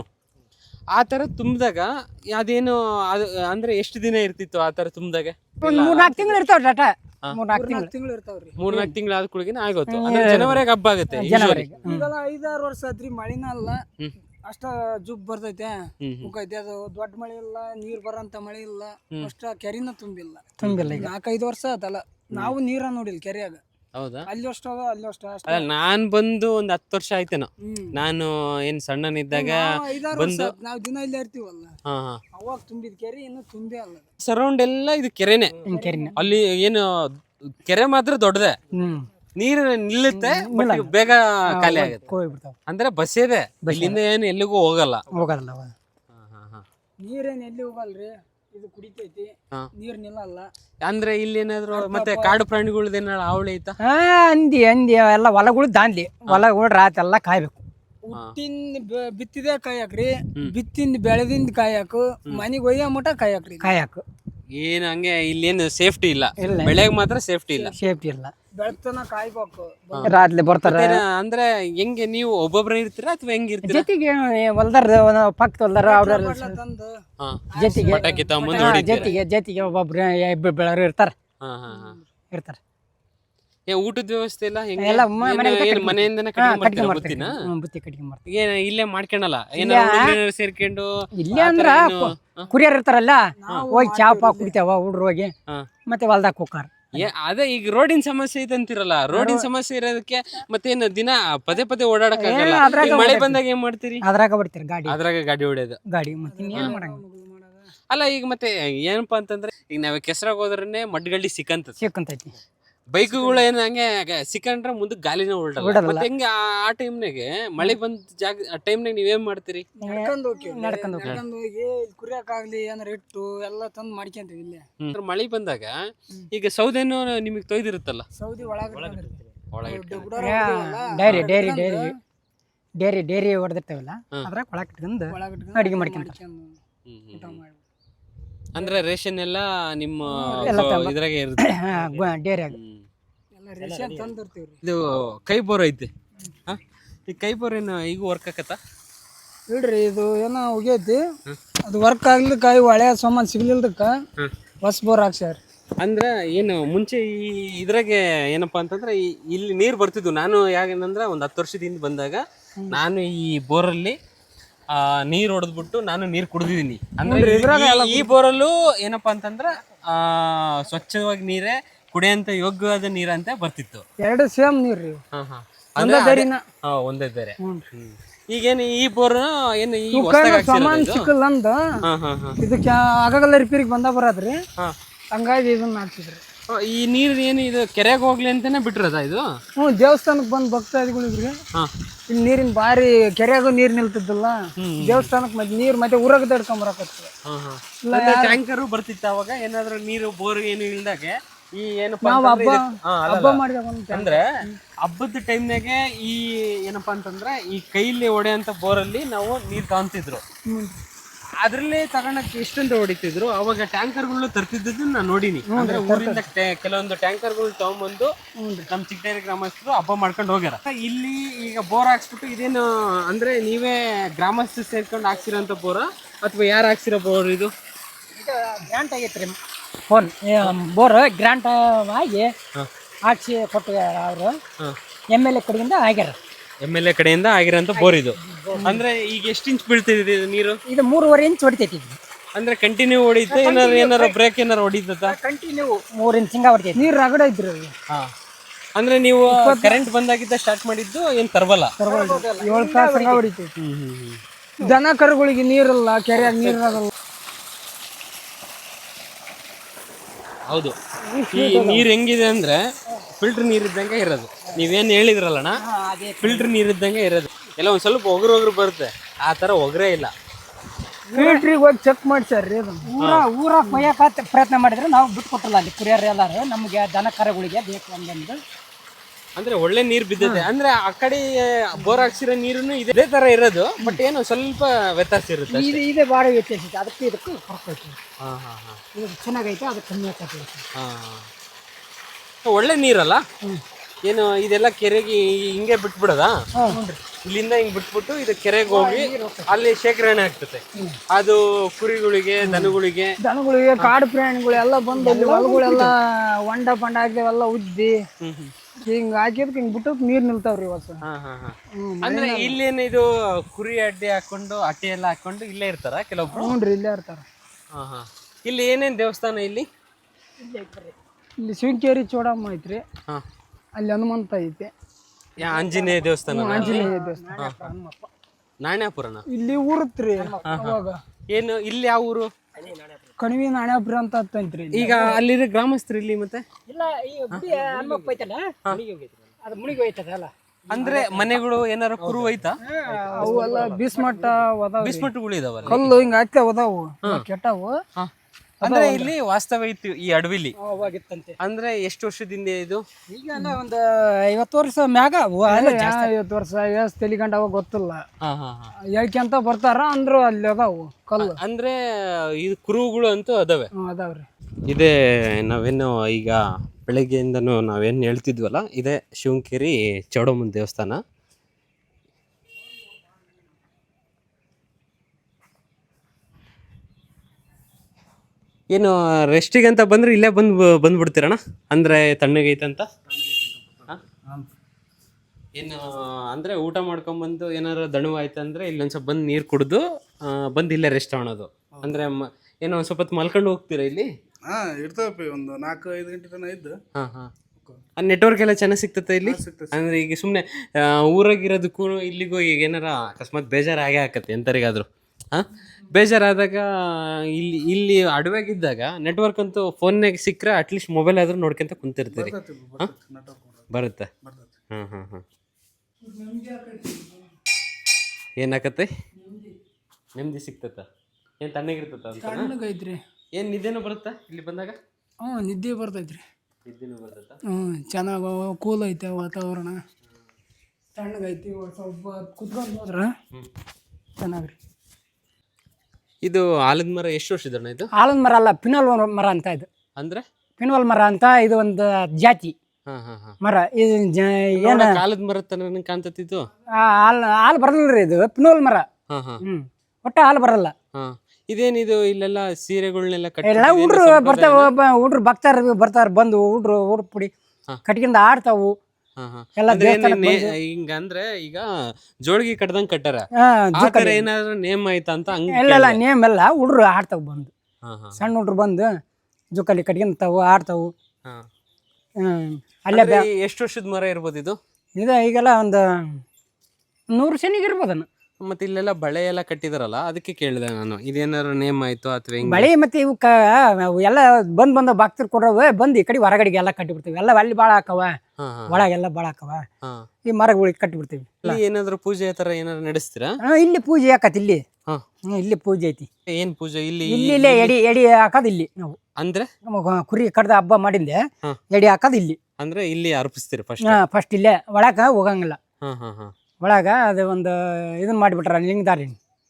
S1: ಆ ಥರ ತುಂಬಿದಾಗ ಅದೇನು ಅದು ಅಂದ್ರೆ ಎಷ್ಟು ದಿನ ಇರ್ತಿತ್ತು ಆ ಥರ ತುಂಬಿದಾಗ?
S2: ಒಂದ್ ಮೂರ್ನಾಲ್ಕು ತಿಂಗಳು ಇರ್ತಾವ ಟಾಟಾ.
S1: ಹಾ.
S2: ಮೂರ್ನಾಲ್ಕು ತಿಂಗಳು ತಿಂಗಳು ಇರ್ತಾವ್ರಿ.
S1: ಮೂರ್ನಾಲ್ಕು ತಿಂಗಳು ಆದ ಕೂಡಗಿನ ಆಗೋತು. ಅಂದ್ರೆ ಜನವರಿಗೆ ಹಬ್ಬ ಆಗುತ್ತೆ usually.
S2: ಜನವರಿಗೆ. ಈಗೆಲ್ಲ ಐದಾರು ವರ್ಷ ಆದ್ರಿ ಮಳಿನ ಅಲ್ಲ,
S1: ಹ್ಮ್.
S2: ಅಷ್ಟ ಜುಬ್ ಬರ್ತೈತೆ.
S1: ಹ್ಮ್ ಹ್ಮ್.
S2: ಮುಖೈತೆ ಅದು ದೊಡ್ಡ ಮಳೆ ಇಲ್ಲ, ನೀರ್ ಬರಂತ ಮಳೆ ಇಲ್ಲ, ಅಷ್ಟ ಕೆರಿನ ತುಂಬಿಲ್ಲ. ತುಂಬಿಲ್ಲ ಈಗ ನಾಲ್ಕೈದು ವರ್ಷ ಆತಲ್ಲ. ನಾವು ನೀರ ನೋಡಿಲ್ಲ ಕೆರೆಯಾಗ.
S1: ಹೌದಾ?
S2: ಅಲ್ಲಿ ಅಷ್ಟ ಅದ ಅಲ್ಲಿ ಅಷ್ಟ ಅಷ್ಟ.
S1: ಅಲ್ಲ ನಾನ್ ಬಂದು ಒಂದ್ ಹತ್ತು ವರ್ಷ ಆಯ್ತೇನೋ.
S2: ಹ್ಮ್.
S1: ನಾನು ಏನ್ ಸಣ್ಣನಿದ್ದಾಗ
S2: ನಾವು ಐದಾರು ವರ್ಷ
S1: ಬಂದು
S2: ಆತ್, ನಾವು ದಿನ ಇಲ್ಲೇ ಇರ್ತೀವಲ್ಲ,
S1: ಹಾ ಹಾ
S2: ಅವಾಗ ತುಂಬಿದ ಕೆರೆ ಇನ್ನು ತುಂಬೇ ಅಲ್ಲ.
S1: ಸರೌಂಡ್ ಎಲ್ಲ ಇದು ಕೆರೆನೆ.
S2: ಕೆರೆನ
S1: ಅಲ್ಲಿ ಏನು ಕೆರೆ ಮಾತ್ರ ದೊಡ್ಡದೆ,
S2: ಹ್ಮ್
S1: ನೀರು ನಿಲ್ಲುತ್ತೆ, but ಬೇಗ ಖಾಲಿ ಆಗುತ್ತೆ.
S2: ಹೋಗ್ಬಿಡ್ತಾವ.
S1: ಅಂದ್ರೆ ಬಸ್ ಇದೆ, ಇಲ್ಲಿಂದ ಏನು ಎಲ್ಲಿಗೂ ಹೋಗಲ್ಲ.
S2: ಹೋಗಲ್ಲ ಅವ.
S1: ಹಾ, ಹಾ, ಹಾ.
S2: ನೀರೇನ್ ಎಲ್ಲಿ ಹೋಗಲ್ರಿ, ಇದು ಕುಡಿತೈತಿ.
S1: ಹಾ.
S2: ನೀರ್ ನಿಲ್ಲಲ್ಲ.
S1: ಅಂದ್ರೆ ಇಲ್ಲಿ ಏನಾದ್ರು ಮತ್ತೆ ಕಾಡು ಪ್ರಾಣಿಗಳ್ದೇನಾದ್ರು ಹಾವಳಿ ಐತಾ?
S2: ಹಾ ಅಂದಿ ಅಂದಿ ಎಲ್ಲ ಹೊಲಗಳು ದಾನ್ಲಿ. ಹೊಲಗಳು ರಾತ್ ಎಲ್ಲ ಕಾಯ್ಬೇಕು. ಹುಟ್ಟಿಂದ ಬಿತ್ತಿದೆ ಕಾಯಕ್ರಿ, ಬಿತ್ತಿಂದ ಬೆಳೆದಿಂದ ಕಾಯಕು, ಮನಿಗ್ ಒಯ್ಯ ಮಟ ಕಾಯಕ್ರಿ. ಕಾಯಕು
S1: ಏನ್ ಹಂಗೆ ಇಲ್ಲೇನು ಸೇಫ್ಟಿ ಇಲ್ಲ,
S2: ಇಲ್ಲ.
S1: ಬೆಳೆಗ್ ಮಾತ್ರ ಸೇಫ್ಟಿ ಇಲ್ಲ.
S2: ಸೇಫ್ಟಿ ಇಲ್ಲ. ಬೆಳತನ ಕಾಯ್ಬೇಕು. ರಾತ್ರಿ ಬರ್ತಾರ.
S1: ಮತ್ತೆ ಅಂದ್ರೆ ಹೆಂಗೆ ನೀವು ಒಬ್ಬೊಬ್ರ ಇರ್ತೀರಾ ಅಥವಾ ಹೆಂಗ್ ಇರ್ತೀರಾ?
S2: ಜೊತೆಗೆ ಹೊಲ್ದಾರ ಪಕ್ಕದ ಹೊಲ್ದಾರ ಅವ್ರ
S1: ಹಾ.
S2: ಜೊತೆಗೆ
S1: ಪಟಾಕಿ ತಗೊಂಬಂದು
S2: ಹಾ,
S1: ಹೊಡಿತೀರಾ?
S2: ಜೊತೆಗೆ ಜೊತೆಗೆ ಒಬ್ಬೊಬ್ರು ಇಬ್ಬರು ಬೆಳರು ಇರ್ತಾರ
S1: ಹಾ ಹಾ ಹಾ
S2: ಇರ್ತಾರ.
S1: ಏ ಊಟದ ವ್ಯವಸ್ಥೆ ಎಲ್ಲ ಹೆಂಗೆ?
S2: ಎಲ್ಲ ಮ-
S1: ಏನು-
S2: ಮನೆಗೆ
S1: ಏನು
S2: ಕಟ್ಕೊಂಡ್
S1: ಮನೆಯಿಂದನೇ
S2: ಹಾ,
S1: ಕಟ್ಕೊಂಡ್ ಬರ್ತೀರಾ
S2: ಕಟ್ಕೊಂಡ್
S1: ಬುತ್ತಿನ?
S2: ಬರ್ತೀವಿ. ಹ್ಮ್, ಬುತ್ತಿ ಕಟ್ಕೊಂಡ್ ಬರ್ತೀವಿ.
S1: ಏನ್ ಇಲ್ಲೇ ಮಾಡ್ಕೊಳಲ್ಲ? ಏನಾದ್ರು ಹುಡುಗ್ರು ಸೇರ್ಕೊಂಡು
S2: ಇಲ್ಲೇ
S1: ಆ
S2: ಅಂದ್ರ
S1: ಥರ ಏನು? ಹಾ?
S2: ಕುರಿಯರ್ ಇರ್ತಾರಲ್ಲ, ಹೋಗಿ ಚಾ ಪಾ ಕುಡಿತಾವ ಹುಡ್ರು ಹೋಗಿ,
S1: ಹಾ.
S2: ಮತ್ತೆ ಹೊಲ್ದಾಗ ಹೋಗಾರ.
S1: ಏ ಅದೇ ಈಗ ರೋಡಿನ ಸಮಸ್ಯೆ ಇದೆ ಅಂತಿರಲ್ಲ, ರೋಡಿನ ಸಮಸ್ಯೆ ಇರೋದಕ್ಕೆ ಮತ್ತೇನು ದಿನ ಪದೇ ಪದೇ ಓಡಾಡಕ್ ಆಗಲ್ಲ.
S2: ಏ, ಅದ್ರಾಗ
S1: ಈಗ ಮಳೆ
S2: ಓಡಾಡ್ತೀವಿ.
S1: ಬಂದಾಗ ಏನ್ ಮಾಡ್ತೀರಿ?
S2: ಅದ್ರಾಗ ಬರ್ತೀರಿ ಗಾಡಿ
S1: ಅದ್ರಾಗ ಗಾಡಿ ಹೊಡೆಯೋದು.
S2: ಗಾಡಿ ಮತ್ತೆ ಇನ್ನೇನ್ ಮಾಡಂಗ.
S1: ಅಲ್ಲ ಈಗ ಮತ್ತೆ ಏನಪ್ಪಾ ಅಂತಂದ್ರೆ ಈಗ ನಾವ್ ಕೆಸರಾಗ ಹೋದ್ರೇನೆ ಮಡ್ಗಳ್ಳಿ ಸಿಕ್ಕಂತದ.
S2: ಸಿಕ್ಕಂತೈತಿ.
S1: ಬೈಕ್ಗಳು ಏನ್ ಹಂಗೆ ಗ- ಸಿಕ್ಕಂಡ್ರೆ ಮುಂದಕ್ಕೆ ಗಾಲಿನ ಹೊರಟಲ್ಲ ಮತ್ತೆ ಹೆಂಗೆ ಆ- ಆ ಟೈಮ್ನಾಗೆ ಮಳೆ ಬಂದ ಜಾಗ ಆ ಟೈಮ್ನಾಗ ನೀವೇನ್ ಮಾಡ್ತೀರಿ?
S2: ನಡ್ಕೊಂಡು ಹೋಗಿ ನಡ್ಕೊಂಡು ನಡ್ಕೊಂಡು ಹೋಗಿ ಕುರಿಯಕ್ಕಾಗ್ಲಿ ಏನಾರ ಇಟ್ಟು ಎಲ್ಲ ತಂದು ಮಾಡ್ಕೊಂತೀವಿ ಇಲ್ಲೇ.
S1: ಹ್ಮ್. ಮಳೆ ಬಂದಾಗ ಈಗ ಸೌದೆನೂ ನಿಮಗೆ ತೊಯ್ದಿರುತ್ತಲ್ಲ
S2: ಸೌದಿ ಒಳಗೆ
S1: ಒಳಗೆ
S2: ಡೈರಿ ಡೈರಿ ಡೈರಿ ಡೈರಿ ಡೈರಿ ಹೊಡೆದಿರ್ತೇವಲ್ಲ ಅದ್ರಾಗ ಒಳಗೆ ಇಟ್ಕೊಂಡು ಅಡಿಗೆ ಮಾಡ್ಕೊಂತ ಊಟ ಮಾಡಿ
S1: ಅಂದ್ರೆ ರೇಷನ್ ಎಲ್ಲ ನಿಮ್ಮ ಇದ್ರಾಗ ಇರುತ್ತೆ.
S2: ಡೈರಿಯಾಗ ಎಲ್ಲ ರೇಷನ್ ತಂದಿರ್ತೀವಿ.
S1: ಇದು ಕೈ ಬೋರ್ ಐತಿ. ಹಾ ಈ ಕೈ ಬೋರ್ ಏನು ಈಗ ವರ್ಕ್ ಆಕತ್ತ?
S2: ಇಲ್ರಿ ಇದು ಏನೋ ಹೋಗೈತಿ ಅದು ವರ್ಕ್ ಆಗ್ಲಿಕ್ಕ ಇವು ಹಳೆ ಸಾಮಾನು ಸಿಗ್ಲಿಲ್ದಕ್ಕ ಹೊಸ ಬೋರ್ ಹಾಕ್ಸ್ಯಾರ.
S1: ಅಂದ್ರೆ ಏನು ಮುಂಚೆ ಈ ಇದ್ರಾಗೆ ಏನಪ್ಪಾ ಅಂತಂದ್ರೆ ಈ- ಇಲ್ಲಿ ನೀರು ಬರ್ತಿದ್ವು. ನಾನು ಯಾಕಂದ್ರೆ ಒಂದು ಹತ್ತು ವರ್ಷದಿಂದ ಬಂದಾಗ ನಾನು ಈ ಬೋರಲ್ಲಿ ಆ ನೀರು ಹೊಡೆದ್ಬಿಟ್ಟು ನಾನು ನೀರು ಕುಡಿದಿದ್ದೀನಿ. ಅಂದ್ರೆ ಈ- ಈ ಬೋರಲ್ಲೂ ಏನಪ್ಪಾ ಅಂತಂದ್ರೆ ಆ ಸ್ವಚ್ಛವಾಗಿ ನೀರೇ ಕುಡಿಯಂತ ಯೋಗ್ಯವಾದ ನೀರಂತೆ ಬರ್ತಿತ್ತು.
S2: ಎರಡು ಸೇಮ್ ನೀರ್ರಿ.
S1: ಹಾ ಹಾ ಅಂದ್ರೆ ಅದೇ- ಹಾ ಒಂದೇ ಬೇರೆ. ಈಗೇನು ಈ ಬೋರ್ ಏನು ಈ
S2: ಸಾಮಾನ್ ಸಿಕ್ಕಲ್ಲ ಅಂದ
S1: ಹಾ ಹಾ ಹಾ
S2: ಇದಕ್ಕೆ ಆಗಾಗಲ್ಲ ರಿಪೇರಿಗೆ ಬಂದ ಬರದ್ರಿ.
S1: ಹಾ
S2: ಹಂಗಾಗಿ ಇದನ್ನ ಹಾಕ್ಸಿದ್ರಿ.
S1: ಈ ನೀರು ಏನು ಇದು ಕೆರೆಗೆ ಹೋಗ್ಲಿ ಅಂತಾನೆ ಬಿಟ್ರದ ಇದು?
S2: ಹ್ಞೂ ದೇವಸ್ಥಾನಕ್ಕೆ ಬಂದು ಭಕ್ತಾದಿಗಳಿಗೆ
S1: ಹಾ
S2: ಇಲ್ಲಿ ನೀರಿನ ಬಾರಿ ಕೆರೆಯಾಗೂ ನೀರು ನಿಲ್ತಿದ್ದಲ್ಲ ದೇವಸ್ಥಾನಕ್ಕೆ ಮತ್ತೆ ನೀರು ಮತ್ತೆ ಊರಾಗ ತಡ್ಕೊಂಡ್ ಬರಕತ್ತು.
S1: ಟ್ಯಾಂಕರ್ ಬರ್ತಿತ್ತ ಅವಾಗ ಏನಾದ್ರು ನೀರು ಬೋರ್ ಏನು ಇಲ್ದಾಗೆ ಈ ಏನಪ್ಪಾ
S2: ನಾವು ಹಬ್ಬ
S1: ಅಂತಂದ್ರೆ ಇದು- ಹಾ, ಅಲ್ಲ,
S2: ಹಬ್ಬ
S1: ಅಲ್ಲ.
S2: ಮಾಡಿದಾಗ
S1: ಅಂದ್ರೆ ಹಬ್ಬದ ಟೈಮ್ನಾಗೆ ಈ ಏನಪ್ಪಾ ಅಂತಂದ್ರೆ ಈ ಕೈಲಿ ಹೊಡೆಯಂತ ಬೋರಲ್ಲಿ ನಾವು ನೀರ್ ತಗೊಂತಿದ್ರು. ಅದ್ರಲ್ಲೇ ತಗೊಳಕ್ಕೆ ಎಷ್ಟಂತ ಹೊಡಿತಿದ್ರು. ಅವಾಗ ಟ್ಯಾಂಕರ್ಗಳು ತರ್ತಿದ್ದನ್ನ ನಾನು ನೋಡಿನಿ. ಅಂದ್ರೆ ಊರಿಂದ ಟ್ಯಾ- ಕೆಲವೊಂದು ಟ್ಯಾಂಕರ್ಗಳು ತಗೊಂಡ್ಬಂದು ನಮ್ ಚಿಕ್ಕಡೇರಿ ಗ್ರಾಮಸ್ಥರು ಹಬ್ಬ ಮಾಡ್ಕೊಂಡು ಹೋಗ್ಯಾರ. ಇಲ್ಲಿ ಈಗ ಬೋರ್ ಹಾಕ್ಸ್ಬಿಟ್ಟು ಇದೇನು ಅಂದ್ರೆ ನೀವೇ ಗ್ರಾಮಸ್ಥರು ಸೇರ್ಕೊಂಡು ಹಾಕ್ಸಿರೋಂಥ ಬೋರ ಅಥವಾ ಯಾರು ಹಾಕ್ಸಿರೋ ಬೋರ್ ಇದು?
S2: ಗ್ರಾಂಟ್ ಆಗೈತ್ರಿ ಫೋನ್ ಬೋರ್ ಗ್ರಾಂಟ್ ಆಗಿ ಹಾಕ್ಸಿ ಕೊಟ್ಟು ಅವರು ಎಮ್ ಎಲ್ ಎ ಕಡೆಯಿಂದ ಆಗ್ಯಾರ.
S1: ಎಮ್ ಎಲ್ ಎ ಕಡೆಯಿಂದ ಆಗಿರೋಂಥ ಬೋರ್ ಇದು. ಅಂದ್ರೆ ಈಗ ಎಷ್ಟು ಇಂಚ್ ಬೀಳ್ತಿದೆ ಇದು ನೀರು?
S2: ಇದು ಮೂರುವರೆ ಇಂಚ್ ಹೊಡಿತೈತಿ.
S1: ಅಂದ್ರೆ ಕಂಟಿನ್ಯೂ ಹೊಡಿತ ಏನಾರ ಏನಾರ ಬ್ರೇಕ್ ಏನಾರ ಹೊಡಿತದ?
S2: ಕಂಟಿನ್ಯೂ ಮೂರು ಇಂಚ್ ಹಿಂಗ ಹೊಡಿತೈತಿ. ನೀರು ರಗಡ ಐತ್ರಿ ಅದು.
S1: ಹಾ ಅಂದ್ರೆ ನೀವು ಕರೆಂಟ್ ಬಂದಾಗಿದ್ದ ಸ್ಟಾರ್ಟ್ ಮಾಡಿದ್ದು ಏನ್ ತರಬಲ್ಲ?
S2: ಏಳು ತಾಸು ಹಂಗ ಹೊಡಿತೈತಿ. ದನ ಕರುಗಳಿಗೆ ನೀರಲ್ಲ, ಕೆರೆಯಾಗ ನೀರಾಗಲ್ಲ.
S1: ಹೌದು. ಈ ನೀರ್ ಹೆಂಗಿದೆ ಅಂದ್ರೆ ಫಿಲ್ಟರ್ ನೀರ್ ಇದ್ದಂಗೆ ಇರೋದು. ನೀವೇನ್ ಹೇಳಿದ್ರಲ್ಲಣ್ಣ ಫಿಲ್ಟರ್ ನೀರ್ ಇದ್ದಂಗೆ ಇರೋದು. ಎಲ್ಲ ಒಂದ್ ಸ್ವಲ್ಪ ಒಗರು ಒಗರು ಬರುತ್ತೆ, ಆ ತರ ಒಗರೇ ಇಲ್ಲ.
S2: ಫಿಲ್ಟ್ರಿಗೆ ಹೋಗಿ ಚೆಕ್ ಮಾಡ್ಸ್ಯಾರ್ರಿ ಅದನ್ನ. ಊರ ಊರ ಕೊಯ್ಯಕ ಪ್ರಯತ್ನ ಮಾಡಿದ್ರೆ ನಾವು ಬಿಟ್ಟು ಕೊಟ್ಟಲ್ಲ ಅಲ್ಲಿ ಕುರಿಯರ್ ಎಲ್ಲಾರು ನಮಗೆ ದನ ಕರುಗಳಿಗೆ ಬೇಕು ಅಂದಂದು.
S1: ಅಂದ್ರೆ ಒಳ್ಳೆ ನೀರ್ ಬಿದ್ದಿದೆ. ಅಂದ್ರೆ ಆ ಕಡೆ ಬೋರ್ ಹಾಕ್ಸಿರೋ ನೀರುನು ಇದೇ ತರ ಇರೋದು, ಬಟ್ ಏನು ಸ್ವಲ್ಪ ವ್ಯತ್ಯಾಸ ಇರುತ್ತೆ.
S2: ಇದು ಇದೇ ಭಾಳ ವ್ಯತ್ಯಾಸ ಐತೆ. ಅದಕ್ಕೆ ಇದಕ್ಕೂ ಫರ್ಕ್ ಐತಿ.
S1: ಹಾ ಹಾ ಹಾ
S2: ಇದು ಚೆನ್ನಾಗೈತೆ, ಅದು ಕಮ್ಮಿ ಆಗ್ತೈತಿ.
S1: ಹಾ ಒಳ್ಳೆ ನೀರಲ್ಲ ಏನು? ಇದೆಲ್ಲ ಕೆರೆಗೆ ಹಿಂಗೆ ಬಿಟ್ಬಿಡೋದಾ? ಇಲ್ಲಿಂದ ಹಿಂಗ್ ಬಿಟ್ಬಿಟ್ಟು ಇದು ಕೆರೆಗೆ ಹೋಗಿ ಅಲ್ಲಿ ಶೇಖರಣೆ ಆಗ್ತದೆ. ಅದು ಕುರಿಗಳಿಗೆ, ದನಗಳಿಗೆ
S2: ದನಗಳಿಗೆ ಕಾಡು ಪ್ರಾಣಿಗಳು ಎಲ್ಲ ಬಂದು ಅಲ್ಲಿ ಹೊಲಗಳೆಲ್ಲ ಹೊಂಡ ಪಂಡ ಹಾಕ್ದೇವೆಲ್ಲ ಉದ್ದಿ ಹಿಂಗ ಹಾಕಿದ್ಕೆ ಹಿಂಗ್ ಬಿಟ್ಟು ನೀರ್ ನಿಲ್ತಾವ್ರಿ ಇವತ್ತು.
S1: ಹಾ ಹಾ ಹಾ ಅಂದ್ರೆ ಇಲ್ಲೇನು ಇದು ಕುರಿ ಅಡ್ಡಿ ಹಾಕೊಂಡು ಅಟ್ಟಿ ಎಲ್ಲ ಹಾಕೊಂಡು ಇಲ್ಲೇ ಇರ್ತಾರ ಕೆಲವೊಬ್ರು?
S2: ಹ್ಞೂನ್ರಿ ಇಲ್ಲೇ ಇರ್ತಾರ.
S1: ಹಾ ಹಾ ಇಲ್ಲಿ ಏನೇನ್ ದೇವಸ್ಥಾನ ಇಲ್ಲಿ?
S2: ಇಲ್ಲಿ ಶಿವಕೇರಿ ಚೋಡಮ್ಮ ಐತ್ರಿ,
S1: ಹಾ
S2: ಅಲ್ಲಿ ಹನುಮಂತ ಐತಿ,
S1: ಯಾ ಆಂಜನೇಯ ದೇವಸ್ಥಾನ,
S2: ಆಂಜನೇಯ ದೇವಸ್ಥಾನ.
S1: ನಾಣ್ಯಾಪುರನ
S2: ಇಲ್ಲಿ ಊರತ್ರಿ ಅವಾಗ.
S1: ಏನು ಇಲ್ಲಿ ಯಾವ ಊರು?
S2: ಕಣಿವಿ ನಾಣ್ಯಾಪುರ ಅಂತ ಹತ್ತೈತ್ರಿ.
S1: ಈಗ ಅಲ್ಲಿರೋ ಗ್ರಾಮಸ್ಥರು ಇಲ್ಲಿ ಮತ್ತೆ
S2: ಇಲ್ಲ ಈ ಗುಡಿ ಹನುಮಪ್ಪ ಐತಲ್ಲ ಅದು ಮುಳುಗಿ ಹೋಯ್ತದ ಅಲ್ಲ.
S1: ಅಂದ್ರೆ ಮನೆಗಳು ಏನಾರ ಕುರು ಐತಾ?
S2: ಅವು ಎಲ್ಲ ಬೀಸ್ಮಟ್ಟ ಒದಾವ,
S1: ಬಿಸ್ಮಟ್ಟುಗಳು ಇದಾವಲ್ಲ,
S2: ಕಲ್ಲು ಹಿಂಗ ಹಾಕ್ತಾ ಒದಾವು ಕೆಟ್ಟವು.
S1: ಅಂದ್ರೆ ಇಲ್ಲಿ ವಾಸ್ತವ ಇತ್ತು ಈ ಅಡವಿಲಿ.
S2: ಅವಾಗಿತ್ತಂತೆ.
S1: ಅಂದ್ರೆ ಎಷ್ಟು ವರ್ಷದಿಂದ ಇದು?
S2: ಈಗ ಒಂದು ಐವತ್ತು ವರ್ಷ ಮ್ಯಾಗ. ಐವತ್ತು ವರ್ಷ ಎಷ್ಟು ತೆಲಿಗಂಡ ಅವಾಗ ಗೊತ್ತಿಲ್ಲ.
S1: ಹಾ ಹಾ ಹಾ
S2: ಹೇಳ್ಕೊಂತ ಬರ್ತಾರ ಅಂದ್ರು ಅಲ್ಲಿ ಅದಾವು ಕಲ್ಲು.
S1: ಅಂದ್ರೆ ಇದು ಕುರುಗಳು ಅಂತೂ ಅದಾವೆ.
S2: ಹ್ಮ್ ಅದಾವ್ರಿ.
S1: ಇದೇ ನಾವೇನು ಈಗ ಬೆಳಗ್ಗೆಯಿಂದನೂ ನಾವೇನು ಹೇಳ್ತಿದ್ವಲ್ಲ, ಇದೇ ಶಿವಕೇರಿ ಚೌಡಮ್ಮನ ದೇವಸ್ಥಾನ. ಏನು ರೆಸ್ಟಿಗೆ ಅಂತ ಬಂದ್ರೆ ಇಲ್ಲೇ ಬಂದು ಬಂದ್ಬಿಡ್ತೀರಣ್ಣ? ಅಂದ್ರೆ ತಣ್ಣಗೈತಂತ ಏನು ಅಂದ್ರೆ ಊಟ ಮಾಡ್ಕೊಂಬಂದು ಏನಾರು ದಣವು ಆಯ್ತಂದ್ರೆ ಇಲ್ಲೊಂದು ಸ್ವಲ್ಪ ಬಂದು ನೀರು ಕುಡಿದು ಬಂದು ಇಲ್ಲೇ ರೆಸ್ಟ್ ಮಾಡೋದು. ಅಂದ್ರೆ ಮ- ಏನೋ ಒಂದು ಸ್ವಲ್ಪ ಹೊತ್ತು ಮಲ್ಕೊಂಡು ಹೋಗ್ತೀರಾ ಇಲ್ಲಿ?
S3: ಹಾ ಇರ್ತವಪ್ಪ, ಒಂದು ನಾಲ್ಕು ಐದು ಗಂಟೆ ತನಕ ಇದ್ದು.
S1: ಹಾ ಹಾ ನೆಟ್ವರ್ಕ್ ಎಲ್ಲ ಚೆನ್ನಾಗಿ ಸಿಗ್ತತೆ ಇಲ್ಲಿ? ಅಂದ್ರೆ ಈಗ ಸುಮ್ಮನೆ ಊರಾಗಿರೋದಕ್ಕೂ ಇಲ್ಲಿಗೂ ಈಗ ಏನಾರ ಅಕಸ್ಮಾತ್ ಬೇಜಾರು ಆಗೇ ಆಕತ್ತೆ ಎಂತರಿಗಾದ್ರು? ಹಾಂ ಬೇಜಾರಾದಾಗ ಇಲ್ಲಿ ಇಲ್ಲಿ ಅಡವಾಗಿದ್ದಾಗ ನೆಟ್ವರ್ಕ್ ಅಂತೂ ಫೋನ್ನಾಗ ಸಿಕ್ಕರೆ ಅಟ್ಲೀಸ್ಟ್ ಮೊಬೈಲ್ ಆದರೂ ನೋಡ್ಕೊಂತ ಕುಂತಿರ್ತೀರಿ ಹಾಂ ಬರುತ್ತೆ ಹಾಂ ಹಾಂ ಹಾಂ ಏನಾಕತ್ತೆ ನೆಮ್ಮದಿ ಸಿಗ್ತತ್ತ ಏನು ತಣ್ಣಗಿರ್ತತ ಅಂತ
S2: ತಣ್ಣಗೈತ್ರಿ.
S1: ಏನು ನಿದ್ದೆನೂ ಬರುತ್ತಾ ಇಲ್ಲಿ ಬಂದಾಗ?
S2: ಹ್ಞೂ ನಿದ್ದೆ ಬರ್ತೈತ್ರಿ.
S1: ನಿದ್ದೆನೂ ಬರ್ತತ್ತ?
S2: ಹ್ಞೂ ಚೆನ್ನಾಗಿ ಕೂಲ್ ಐತೆ ವಾತಾವರಣ, ತಣ್ಣಗೈತಿ. ಸ್ವಲ್ಪ ಕುತ್ಕೊಂಡು ಹೋದ್ರೆ ಚೆನ್ನಾಗ್ರಿ.
S1: ಇದು ಆಲದ ಮರ ಎಷ್ಟು ವರ್ಷದಣ್ಣ ಇದು?
S2: ಆಲದ ಮರ ಅಲ್ಲ, ಪಿನಲ್ ಮರ ಅಂತ ಇದು.
S1: ಅಂದ್ರೆ
S2: ಪಿನಲ್ ಮರ ಅಂತ ಇದು ಒಂದು ಜಾತಿ
S1: ಹಾಂ ಹಾಂ ಹಾಂ
S2: ಮರ. ಇದು ಏನು
S1: ಆಲದ ಮರ ತನ ಕಾಣ್ತತಿತ್ತು.
S2: ಹಾಲು ಹಾಲು ಬರಲ್ಲ ರೀ, ಇದು ಪಿನೋಲ್ ಮರ.
S1: ಹಾಂ ಹಾಂ
S2: ಹ್ಞೂ ಒಟ್ಟು ಹಾಲು ಬರಲ್ಲ.
S1: ಹಾಂ ಇದೇನಿದು ಇಲ್ಲೆಲ್ಲ ಸೀರೆಗಳನ್ನೆಲ್ಲ ಕಟ್ಟಿ
S2: ಎಲ್ಲ ಹುಡ್ರು ಬರ್ತಾವ, ಹುಡ್ರು ಭಕ್ತಾರ ಬರ್ತಾರ, ಬಂದು ಹುಡ್ರು ಹುಡ್ರು ಪುಡಿ ಕಟ್ಕೊಂಡು ಆಡ್ತಾವು ಎಲ್ಲ.
S1: ಹಿಂಗ ಅಂದ್ರೆ ಈಗ ಜೋಳಿಗೆ ಕಟ್ಟದಂಗ್ ಕಟ್ಟಾರ, ಏನಾದ್ರು ನೇಮ್ ಆಯ್ತಾ ಅಂತ ಹಂಗ?
S2: ಎಲ್ಲ ನೇಮ್ ಎಲ್ಲ ಹುಡ್ರು ಆಡ್ತಾವ ಬಂದು, ಸಣ್ಣ ಹುಡ್ರು ಬಂದು ಜೋಕಾಲಿ ಕಟ್ಕೊಂತಾವು ಆಡ್ತಾವು. ಹ್ಮ್ ಅಲ್ಲೇ
S1: ಎಷ್ಟು ವರ್ಷದ ಮರ ಇರ್ಬೋದು ಇದು?
S2: ಇದು ಈಗೆಲ್ಲ ಒಂದು ನೂರು ಸೆನಿಗೆ ಇರ್ಬೋದನ್ನ.
S1: ಮತ್ತೆ ಇಲ್ಲೆಲ್ಲ ಬಳೆ ಎಲ್ಲ ಕಟ್ಟಿದಾರಲ್ಲ, ಅದಕ್ಕೆ ಕೇಳಿದೆ ನಾನು, ಇದೇನಾದ್ರು ನೇಮ್ ಆಯ್ತು ಅಥವಾ
S2: ಬಳೆ ಮತ್ತೆ ಇವಕ್ಕ ಎಲ್ಲ ಬಂದ್ ಬಂದ ಭಕ್ತರು ಕೊಡವ ಬಂದು ಈ ಕಡೆ ಹೊರಗಡೆಗೆ ಎಲ್ಲ ಕಟ್ಟಿ ಬಿಡ್ತೀವಿ. ಎಲ್ಲ ಅಲ್ಲಿ ಬಾಳ ಹಾಕವ, ಒಳಗೆಲ್ಲ ಬಾಳ ಹಾಕವ, ಈ ಮರಗಳಿಗೆ ಕಟ್ಟಿ ಬಿಡ್ತೀವಿ.
S1: ಏನಾದ್ರು ಪೂಜೆ ತರ ಏನಾದ್ರು ನಡೆಸ್ತೀರಾ?
S2: ಇಲ್ಲಿ ಪೂಜೆ ಹಾಕತ್, ಇಲ್ಲಿ ಇಲ್ಲಿ ಪೂಜೆ ಐತಿ.
S1: ಏನ್ ಪೂಜೆ? ಇಲ್ಲಿ
S2: ಇಲ್ಲಿ ಎಡಿ ಎಡಿ ಹಾಕದ್ ಇಲ್ಲಿ ನಾವು.
S1: ಅಂದ್ರೆ
S2: ಕುರಿ ಕಡ್ದ ಹಬ್ಬ ಮಾಡಿಂದೆ ಎಡಿ ಹಾಕದ್ ಇಲ್ಲಿ.
S1: ಅಂದ್ರೆ ಇಲ್ಲಿ ಅರ್ಪಿಸ್ತೀರಿ ಫಸ್ಟ್?
S2: ಫಸ್ಟ್ ಇಲ್ಲೇ, ಒಳಗ ಹೋಗಂಗಿಲ್ಲ.
S1: ಹಾ ಹಾ ಹಾ
S2: ಒಳಗ ಅದು ಒಂದು ಇದನ್ನ ಮಾಡಿಬಿಟ್ರ ಲಿಂಗದಾರಿನ.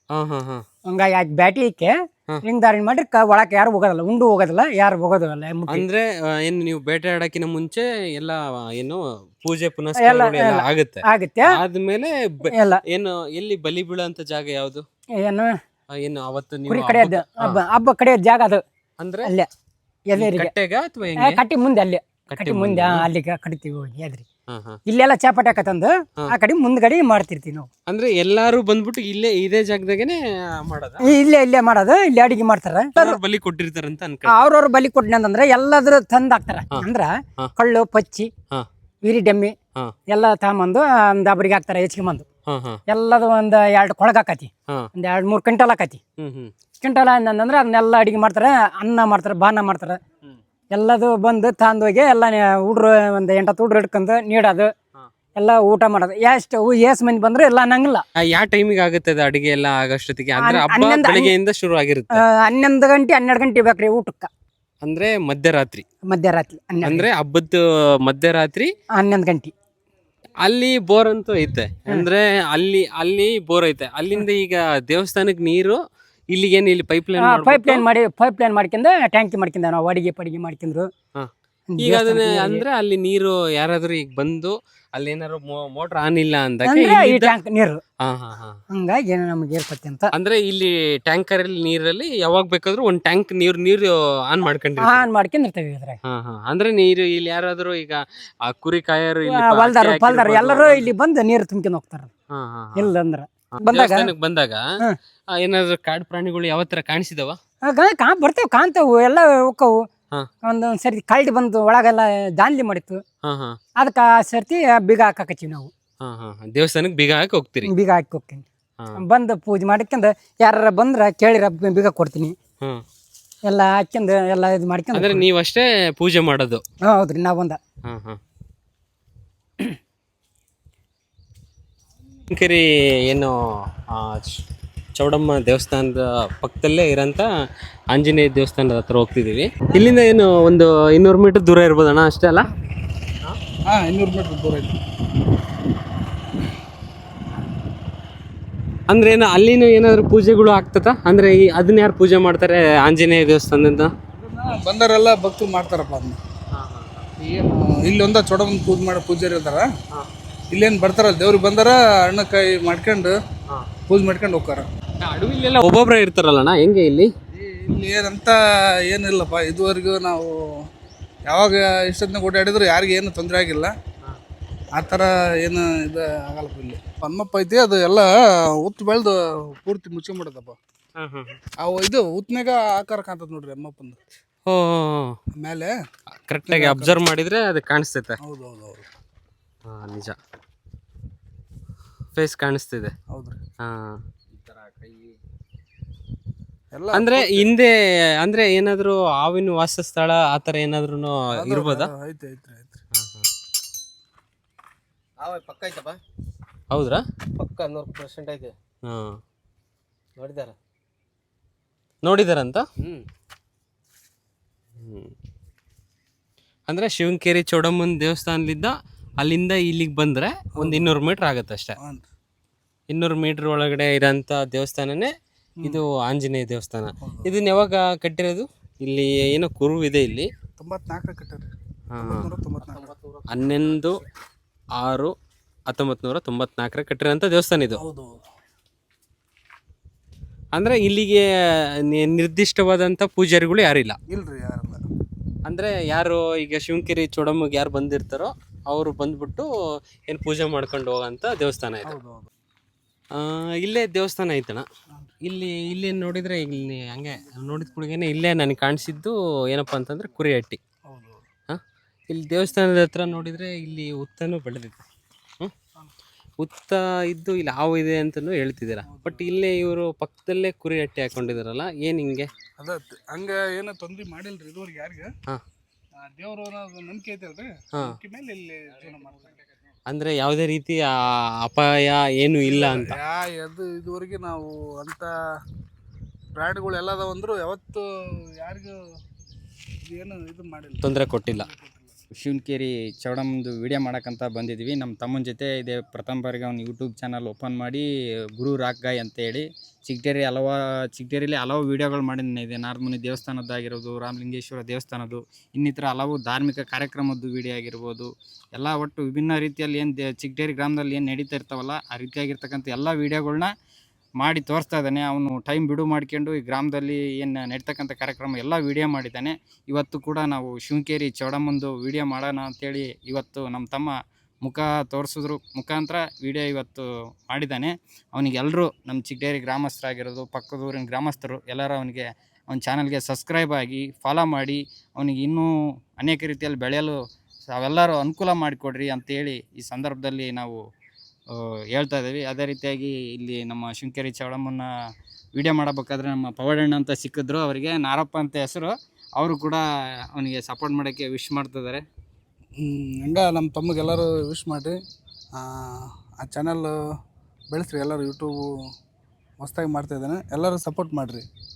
S2: ಹಂಗಾಗಿ ಆಯ್ತು ಬ್ಯಾಟಿ ಇಕ್ಕೆ ಲಿಂಗದಾರಿನ ಮಾಡಿ ಒಳಕ್ಕೆ ಯಾರು ಹೋಗೋದಲ್ಲ, ಉಂಡು ಹೋಗೋದಿಲ್ಲ, ಯಾರು ಹೋಗೋದಿಲ್ಲ.
S1: ಅಂದ್ರೆ ಏನು ನೀವು ಬೇಟೆ ಆಡಕ್ಕಿನ ಮುಂಚೆ ಎಲ್ಲ ಏನು ಪೂಜೆ ಪುನಸ್ಕಾರ ಆಗುತ್ತೆ
S2: ಆಗುತ್ತೆ
S1: ಆದ್ಮೇಲೆ
S2: ಎಲ್ಲ
S1: ಏನು ಎಲ್ಲಿ ಬಲಿ ಬೀಳಂತ ಜಾಗ ಯಾವ್ದು?
S2: ಏನು
S1: ಏನು ಅವತ್ತು
S2: ಕುರಿ ಕಡೆಯದ್ದು ಹಬ್ಬ ಹಬ್ಬ ಕಡೆಯದ ಜಾಗ ಅದು.
S1: ಅಂದ್ರೆ
S2: ಅಲ್ಲೇ ಎದರಿಗೆ ಕಟ್ಟಿ ಮುಂದೆ, ಅಲ್ಲೇ ಕಟ್ಟಿ ಮುಂದೆ ಅಲ್ಲಿಗೆ ಕಟ್ತೀವಿ ಹೋಗಿ ಎದ್ರಿ. ಇಲ್ಲೆಲ್ಲ ಚಾಪಾಟಿ ಹಾಕತ್ತಂದು ಆ ಕಡೆ ಮುಂದ್ಗಡೆ ಮಾಡ್ತಿರ್ತೀವಿ ನಾವು.
S1: ಅಂದ್ರೆ ಎಲ್ಲಾರು ಬಂದ್ಬಿಟ್ಟು ಇಲ್ಲೇ ಇದೇ ಜಾಗದಾಗೇನೆ ಮಾಡೋದ?
S2: ಇಲ್ಲೇ ಇಲ್ಲೇ ಮಾಡೋದು, ಇಲ್ಲಿ ಅಡಿಗೆ ಮಾಡ್ತಾರ.
S1: ಬಲಿ ಕೊಟ್ಟಿರ್ತಾರಂತ ಅನ್ಕ
S2: ಅವ್ರವ್ರ ಬಲಿ ಕೊಟ್ಟಿನ ಅಂತಂದ್ರೆ ಎಲ್ಲಾದ್ರೂ ತಂದ್ ಹಾಕ್ತಾರ. ಅಂದ್ರ ಕಳ್ಳು ಪಚ್ಚಿ ವೀರಿ ಡೆಮ್ಮಿ ಎಲ್ಲ ತಗೊಂಬಂದು ಒಂದ್ ಒಬ್ರಿಗೆ ಹಾಕ್ತಾರ, ಹೆಚ್ಕೊಂಬಂದು ಎಲ್ಲದು ಒಂದ್ ಎರಡು ಕೊಳಗ ಹಾಕತಿ, ಒಂದ್ ಎರಡ್ ಮೂರ್ ಕ್ವಿಂಟಲ್ ಹಾಕತಿ. ಕ್ವಿಂಟಲ್ ಅಂತಂದ್ರೆ ಅದನ್ನೆಲ್ಲ ಅಡಿಗೆ ಮಾಡ್ತಾರ, ಅನ್ನ ಮಾಡ್ತಾರ, ಬಾನ ಮಾಡ್ತಾರ. ಎಲ್ಲದು ಬಂದು ತಂದೋಗಿ ಎಲ್ಲ ಹುಡ್ರು ಒಂದ್ ಎಂಟತ್ತು ಹುಡ್ರು ಹಿಡ್ಕೊಂಡು ನೀಡೋದು, ಎಲ್ಲ ಊಟ ಮಾಡೋದು. ಎಷ್ಟು ಎಸ್ ಮಂದಿ ಬಂದ್ರೆ ಎಲ್ಲ ಅನ್ನಂಗಿಲ್ಲ.
S1: ಯಾವ ಟೈಮಿಗೆ ಆಗುತ್ತೆ ಅದು ಅಡಿಗೆ ಎಲ್ಲ ಆಗಷ್ಟೊತ್ತಿಗೆ? ಅಂದ್ರೆ ಹಬ್ಬ ಬೆಳಗ್ಗೆಯಿಂದ ಶುರು ಆಗಿರುತ್ತೆ.
S2: ಹನ್ನೊಂದು ಗಂಟೆ ಹನ್ನೆರಡು ಗಂಟೆ ಬೇಕ್ರಿ ಊಟಕ್ಕ.
S1: ಅಂದ್ರೆ ಮಧ್ಯರಾತ್ರಿ?
S2: ಮಧ್ಯರಾತ್ರಿ
S1: ಅಂದ್ರೆ ಹಬ್ಬದ ಮಧ್ಯರಾತ್ರಿ
S2: ಹನ್ನೊಂದು ಗಂಟೆ.
S1: ಅಲ್ಲಿ ಬೋರ್ ಅಂತೂ ಐತೆ, ಅಂದ್ರೆ ಅಲ್ಲಿ ಅಲ್ಲಿ ಬೋರ್ ಐತೆ. ಅಲ್ಲಿಂದ ಈಗ ದೇವಸ್ಥಾನಕ್ಕೆ ನೀರು ಇಲ್ಲಿಗೇನು ಇಲ್ಲಿ ಪೈಪ್ ಲೈನ್
S2: ಪೈಪ್ ಲೈನ್ ಮಾಡಿ ಪೈಪ್ ಲೈನ್ ಮಾಡ್ಕೊಂಡ ಟ್ಯಾಂಕಿ ಮಾಡ್ಕೊಂಡ ನಾವು ಅಡಿಗೆ ಪಡಿಗೆ ಮಾಡ್ಕೊಂಡ್ರು.
S1: ಈಗ ಅದನ್ನ ಅಂದ್ರೆ ಅಲ್ಲಿ ನೀರು ಯಾರಾದ್ರೂ ಈಗ ಬಂದು ಅಲ್ಲಿ ಏನಾದ್ರು ಮೋಟರ್ ಆನ್ ಇಲ್ಲ ಅಂದಾಗ
S2: ಈ ಟ್ಯಾಂಕ್ ನೀರು ಹಂಗಾಗಿ ಏನೋ ನಮ್ಗೆ ಏರ್ಪತ್ತೆ ಅಂತ.
S1: ಅಂದ್ರೆ ಇಲ್ಲಿ ಟ್ಯಾಂಕರ್ ಅಲ್ಲಿ ನೀರಲ್ಲಿ ಯಾವಾಗ ಬೇಕಾದ್ರೂ ಒಂದ್ ಟ್ಯಾಂಕ್ ನೀರು ನೀರು ಆನ್ ಮಾಡ್ಕೊಂಡ್ರಿ
S2: ಆನ್ ಮಾಡ್ಕೊಂಡಿರ್ತೇವೆ ಇದ್ರಾಗ.
S1: ಅಂದ್ರೆ ನೀರು ಇಲ್ಲಿ ಯಾರಾದ್ರೂ ಈಗ ಆ ಕುರಿ ಕಾಯರು
S2: ಹೊಲ್ದಾರ ಪಲ್ದಾರ ಎಲ್ಲರೂ ಇಲ್ಲಿ ಬಂದು ನೀರು ತುಂಬ್ಕೊಂಡು ಹೋಗ್ತಾರ. ಇಲ್ಲ ಅಂದ್ರ ಬಂದಾಗ
S1: ಬಂದಾಗ ಏನಾದ್ರು ಕಾಡು ಪ್ರಾಣಿಗಳು ಯಾವ ತರ ಕಾಣಿಸಿದವ?
S2: ಕಾ ಬರ್ತೇವೆ, ಕಾಣ್ತಾವು, ಎಲ್ಲ ಹೋಕ್ಕವು. ಒಂದೊಂದ್ ಸರ್ತಿ ಕಳ್ಳಿ ಬಂದು ಒಳಗೆಲ್ಲ ದಾನ್ಲಿ ಮಾಡಿತ್ತು, ಅದಕ್ಕ ಸರ್ತಿ ಬೀಗ ಹಾಕಕತ್ತೀವಿ ನಾವು.
S1: ದೇವಸ್ಥಾನಕ್ಕೆ ಬೀಗ ಹಾಕಿ ಹೋಗ್ತೀರಿ?
S2: ಬೀಗ ಹಾಕಿ ಹೋಗ್ತೀನಿ. ಬಂದು ಪೂಜೆ ಮಾಡ್ಕೊಂಡ್ ಯಾರ ಬಂದ್ರ ಕೇಳಿರ ಬೀಗ ಕೊಡ್ತೀನಿ. ಎಲ್ಲ ಹಾಕ್ಯಂಡ್ ಎಲ್ಲ ಇದು ಮಾಡ್ಕೊಂಡ್.
S1: ಅಂದ್ರೆ ನೀವಷ್ಟೇ ಪೂಜೆ ಮಾಡೋದು?
S2: ಹೌದ್ರಿ, ನಾವ್ ಬಂದ
S1: ಕೆರಿ ಏನು ಚೌಡಮ್ಮ ದೇವಸ್ಥಾನದ ಪಕ್ಕದಲ್ಲೇ ಇರೋಂಥ ಆಂಜನೇಯ ದೇವಸ್ಥಾನದ ಹತ್ರ ಹೋಗ್ತಿದ್ದೀವಿ. ಇಲ್ಲಿಂದ ಏನು ಒಂದು ಇನ್ನೂರು ಮೀಟರ್ ದೂರ ಇರ್ಬೋದಣ್ಣ, ಅಷ್ಟೇ ಅಲ್ಲ?
S3: ಹಾಂ, ಇನ್ನೂರು ಮೀಟರ್ ದೂರ ಐತಿ.
S1: ಅಂದ್ರೆ ಏನು ಅಲ್ಲಿನೂ ಏನಾದ್ರು ಪೂಜೆಗಳು ಆಗ್ತದ? ಅಂದ್ರೆ ಈ ಅದನ್ನ ಯಾರು ಪೂಜೆ ಮಾಡ್ತಾರೆ ಆಂಜನೇಯ ದೇವಸ್ಥಾನದಿಂದ?
S3: ಬಂದರೆಲ್ಲ ಭಕ್ತರು ಮಾಡ್ತಾರಪ್ಪ ಅದನ್ನ. ಏನು ಇಲ್ಲೊಂದ ಚೌಡಮ್ಮನ ಪೂಜೆ ಮಾಡೋ ಪೂಜಾರಿ ಇರ್ತಾರ, ಇಲ್ಲೇನು ಬರ್ತಾರಲ್ಲ ದೇವ್ರಿಗೆ ಬಂದಾರ ಹಣ್ಣಕಾಯಿ ಮಾಡ್ಕೊಂಡು ಪೂಜೆ ಮಾಡ್ಕೊಂಡು ಹೋಗ್ತಾರ.
S1: ಅಡವಿಲೆಲ್ಲ ಒಬ್ಬೊಬ್ರೆ ಇರ್ತಾರಲ್ಲಣ್ಣ, ಹೆಂಗೆ ಇಲ್ಲಿ?
S3: ಇಲ್ಲಿ ಏನಂತ ಏನಿಲ್ಲಪ್ಪ, ಇದುವರೆಗೂ ನಾವು ಯಾವಾಗ ಇಷ್ಟೊತ್ತಿನ ಓಡಾಡಿದ್ರು ಯಾರಿಗೂ ಏನು ತೊಂದರೆ ಆಗಿಲ್ಲ. ಆ ಥರ ಏನು ಇದು ಆಗಲ್ಲಪ್ಪ. ಇಲ್ಲಿ ಹನುಮಪ್ಪ ಐತಿ, ಅದು ಎಲ್ಲ ಉತ್ತು ಬೆಳೆದು ಪೂರ್ತಿ ಮುಚ್ಕೊಂಬಿಡದಪ್ಪ. ಅವು ಇದು ಉತ್ನಾಗ ಆಕಾರ ಕಾಣ್ತದ ನೋಡ್ರಿ ಅಮ್ಮಪ್ಪಂದು.
S1: ಓ
S3: ಮೇಲೆ
S1: ಕರೆಕ್ಟಾಗಿ ಅಬ್ಸರ್ವ್ ಮಾಡಿದ್ರೆ ಅದು ಕಾಣಿಸ್ತೈತೆ.
S3: ಹೌದು ಹೌದು ಹೌದು,
S1: ಹಾಂ ನಿಜ, ಫೇಸ್ ಕಾಣಿಸ್ತಿದೆ.
S3: ಹೌದ್ರಿ.
S1: ಹಾಂ,
S3: ಎಲ್ಲ
S1: ಅಂದ್ರೆ ಹಿಂದೆ ಅಂದ್ರೆ ಏನಾದ್ರು ಹಾವಿನ ವಾಸಸ್ಥಳ ಆತರ ಏನಾದ್ರು ಇರ್ಬೋದಾ?
S3: ಐತೆ ಐತ್ರಿ ಐತ್ರಿ.
S4: ಪಕ್ಕ ಐತಪ್ಪ,
S1: ಹೌದ್ರಾ?
S4: ಪಕ್ಕ ನೂರು ಪರ್ಸೆಂಟ್ ಐತೆ.
S1: ಹಾ,
S4: ನೋಡಿದಾರ?
S1: ನೋಡಿದಾರಂತ.
S4: ಹ್ಮ್
S1: ಹ್ಮ್ ಅಂದ್ರೆ ಶಿವನಕೆರೆ ಚೌಡಮ್ಮನ ದೇವಸ್ಥಾನದಿಂದ ಅಲ್ಲಿಂದ ಇಲ್ಲಿಗೆ ಬಂದ್ರೆ ಒಂದ್ ಇನ್ನೂರು ಮೀಟರ್ ಆಗತ್ತೆ ಅಷ್ಟೇ.
S3: ಹಾಂ ರೀ.
S1: ಇನ್ನೂರು ಮೀಟರ್ ಒಳಗಡೆ ಇರೋಂಥ ದೇವಸ್ಥಾನನೇ ಇದು ಆಂಜನೇಯ ದೇವಸ್ಥಾನ. ಇದನ್ನ ಯಾವಾಗ ಕಟ್ಟಿರೋದು? ಇಲ್ಲಿ ಏನೋ ಕುರು ಇದೆ ಇಲ್ಲಿ.
S3: ತೊಂಬತ್ನಾಲ್ಕರ ಕಟ್ಟಾರಿ.
S1: ಹಾ.
S3: ತೊಂಬತ್ನಾಲ್ಕು.
S1: ಹನ್ನೊಂದು ಆರು ಹತ್ತೊಂಬತ್ತು ನೂರ ತೊಂಬತ್ನಾಲ್ಕರ ಕಟ್ಟಿರೋಂಥ ದೇವಸ್ಥಾನ ಇದು.
S3: ಹೌದು.
S1: ಅಂದ್ರೆ ಇಲ್ಲಿಗೆ ನಿ- ನಿರ್ದಿಷ್ಟವಾದಂಥ ಪೂಜಾರಿಗಳು ಯಾರಿಲ್ಲ.
S3: ಇಲ್ರಿ ಯಾರಲ್ಲ.
S1: ಅಂದ್ರೆ ಯಾರು ಈಗ ಶಿವನಕೆರೆ ಚೌಡಮ್ಮಗೆ ಯಾರು ಬಂದಿರ್ತಾರೋ ಅವರು ಬಂದ್ಬಿಟ್ಟು ಏನು ಪೂಜೆ ಮಾಡ್ಕೊಂಡು ಹೋಗೋಂಥ ದೇವಸ್ಥಾನ ಇದು.
S3: ಹೌದು ಹೌದು.
S1: ಆ, ಇಲ್ಲೇ ದೇವಸ್ಥಾನ ಐತಣ. ಇಲ್ಲಿ ಇಲ್ಲಿ ನೋಡಿದ್ರೆ ಇಲ್ಲಿ ಹಂಗೆ ನೋಡಿದ ಕೂಡಗೇನೆ ಇಲ್ಲೇ ನನಗೆ ಕಾಣಿಸಿದ್ದು ಏನಪ್ಪ ಅಂತಂದ್ರೆ ಕುರಿಹಟ್ಟಿ.
S3: ಹೌದು.
S1: ಹಾಂ, ಇಲ್ಲಿ ದೇವಸ್ಥಾನದ ಹತ್ರ ನೋಡಿದರೆ ಇಲ್ಲಿ ಉತ್ತನೂ ಬೆಳೆದಿದೆ. ಹ್ಞೂ, ಉತ್ತ ಇದ್ದು ಇಲ್ಲಿ ಹಾವು ಇದೆ ಅಂತಲೂ ಹೇಳ್ತಿದ್ದೀರಾ. ಬಟ್ ಇಲ್ಲೇ ಇವರು ಪಕ್ಕದಲ್ಲೇ ಕುರಿಹಟ್ಟಿ ಹಾಕೊಂಡಿದಾರಲ್ಲ, ಏನು ಹಿಂಗೆ?
S3: ಅದ ಹಂಗ ಏನೋ ತೊಂದ್ರೆ ಮಾಡಿಲ್ರಿ ಇದುವರೆಗೆ ಯಾರಿಗೆ.
S1: ಹಾಂ,
S3: ದೇವ್ರು ಅನ್ನೋದು ನಂಬಿಕೆ ಐತಲ್ರಿ,
S1: ಹಾಂ.
S3: ನಂಬಿಕೆ ಮೇಲೆ ಇಲ್ಲಿ ಜೀವನ ಮಾಡ್ತಾರೆ.
S1: ಅಂದರೆ ಯಾವುದೇ ರೀತಿ ಆ ಅಪಾಯ ಏನು ಇಲ್ಲ ಅಂತ.
S3: ಯಾ ಅದು ಇದುವರೆಗೆ ನಾವು ಅಂತ ಪ್ರಾಣಿಗಳು ಎಲ್ಲ ಅದಾವ ಅಂದ್ರು ಯಾವತ್ತು ಯಾರಿಗೂ ಏನು ಇದು ಮಾಡಿಲ್ಲ,
S1: ತೊಂದರೆ ಕೊಟ್ಟಿಲ್ಲ.
S5: ಶಿವನಕೆರೆ ಚೌಡಮ್ಮಂದು ವಿಡಿಯೋ ಮಾಡೋಕ್ಕಂತ ಬಂದಿದ್ವಿ. ನಮ್ಮ ತಮ್ಮನ ಜೊತೆ ಇದೆ ಪ್ರಥಮ ಬಾರಿಗೆ ಅವ್ನು ಯೂಟ್ಯೂಬ್ ಚಾನಲ್ ಓಪನ್ ಮಾಡಿ ಗುರು ರಾಕ್ ಗಾಯ್ ಅಂತೇಳಿ ಚಿಗಟೇರಿ ಹಲವ ಚಿಗಟೇರಿಲಿ ಹಲವು ವೀಡಿಯೋಗಳು ಮಾಡಿದ್ದೀನಿ. ಇದೆ ನಾರದಮುನಿ ದೇವಸ್ಥಾನದ್ದಾಗಿರ್ಬೋದು, ರಾಮಲಿಂಗೇಶ್ವರ ದೇವಸ್ಥಾನದ್ದು, ಇನ್ನಿತರ ಹಲವು ಧಾರ್ಮಿಕ ಕಾರ್ಯಕ್ರಮದ್ದು ವಿಡಿಯೋ ಆಗಿರ್ಬೋದು, ಎಲ್ಲ ಒಟ್ಟು ವಿಭಿನ್ನ ರೀತಿಯಲ್ಲಿ ಏನು ದೇ ಚಿಗಟೇರಿ ಗ್ರಾಮದಲ್ಲಿ ಏನು ನಡೀತಾ ಇರ್ತಾವಲ್ಲ ಆ ರೀತಿಯಾಗಿರ್ತಕ್ಕಂಥ ಎಲ್ಲ ವೀಡಿಯೋಗಳ್ನ ಮಾಡಿ ತೋರಿಸ್ತಾ ಇದ್ದಾನೆ. ಅವನು ಟೈಮ್ ಬಿಡು ಮಾಡ್ಕೊಂಡು ಈ ಗ್ರಾಮದಲ್ಲಿ ಏನು ನಡೀತಕ್ಕಂಥ ಕಾರ್ಯಕ್ರಮ ಎಲ್ಲ ವೀಡಿಯೋ ಮಾಡಿದ್ದಾನೆ. ಇವತ್ತು ಕೂಡ ನಾವು ಶಿವನಕೆರೆ ಚೌಡಮ್ಮಂದು ವೀಡಿಯೋ ಮಾಡೋಣ ಅಂಥೇಳಿ ಇವತ್ತು ನಮ್ಮ ತಮ್ಮ ಮುಖ ತೋರಿಸಿದ್ರು ಮುಖಾಂತರ ವೀಡಿಯೋ ಇವತ್ತು ಮಾಡಿದ್ದಾನೆ. ಅವನಿಗೆ ಎಲ್ಲರೂ ನಮ್ಮ ಚಿಗಟೇರಿ ಗ್ರಾಮಸ್ಥರಾಗಿರೋದು, ಪಕ್ಕದೂರಿನ ಗ್ರಾಮಸ್ಥರು ಎಲ್ಲರೂ ಅವನಿಗೆ ಅವನ ಚಾನಲ್ಗೆ ಸಬ್ಸ್ಕ್ರೈಬ್ ಆಗಿ ಫಾಲೋ ಮಾಡಿ ಅವನಿಗೆ ಇನ್ನೂ ಅನೇಕ ರೀತಿಯಲ್ಲಿ ಬೆಳೆಯಲು ಅವೆಲ್ಲರೂ ಅನುಕೂಲ ಮಾಡಿಕೊಡ್ರಿ ಅಂತೇಳಿ ಈ ಸಂದರ್ಭದಲ್ಲಿ ನಾವು ಹೇಳ್ತಾ ಇದ್ದೀವಿ. ಅದೇ ರೀತಿಯಾಗಿ ಇಲ್ಲಿ ನಮ್ಮ ಶಿವನಕೆರೆ ಚೌಡಮ್ಮನ ವೀಡಿಯೋ ಮಾಡಬೇಕಾದ್ರೆ ನಮ್ಮ ಪವಾಡಣ್ಣ ಅಂತ ಸಿಕ್ಕಿದ್ರು, ಅವರಿಗೆ ನಾರಪ್ಪ ಅಂತ ಹೆಸರು. ಅವರು ಕೂಡ ಅವನಿಗೆ ಸಪೋರ್ಟ್ ಮಾಡೋಕ್ಕೆ ವಿಶ್ ಮಾಡ್ತಿದ್ದಾರೆ.
S3: ಹಂಗೆ ನಮ್ಮ ತಮ್ಮಗೆ ವಿಶ್ ಮಾಡಿರಿ. ಆ ಚಾನಲ್ ಬೆಳೆಸ್ರಿ, ಎಲ್ಲರೂ ಯೂಟ್ಯೂಬು ಹೊಸ್ದಾಗಿ ಮಾಡ್ತಾಯಿದ್ದಾನೆ, ಎಲ್ಲರೂ ಸಪೋರ್ಟ್ ಮಾಡಿರಿ.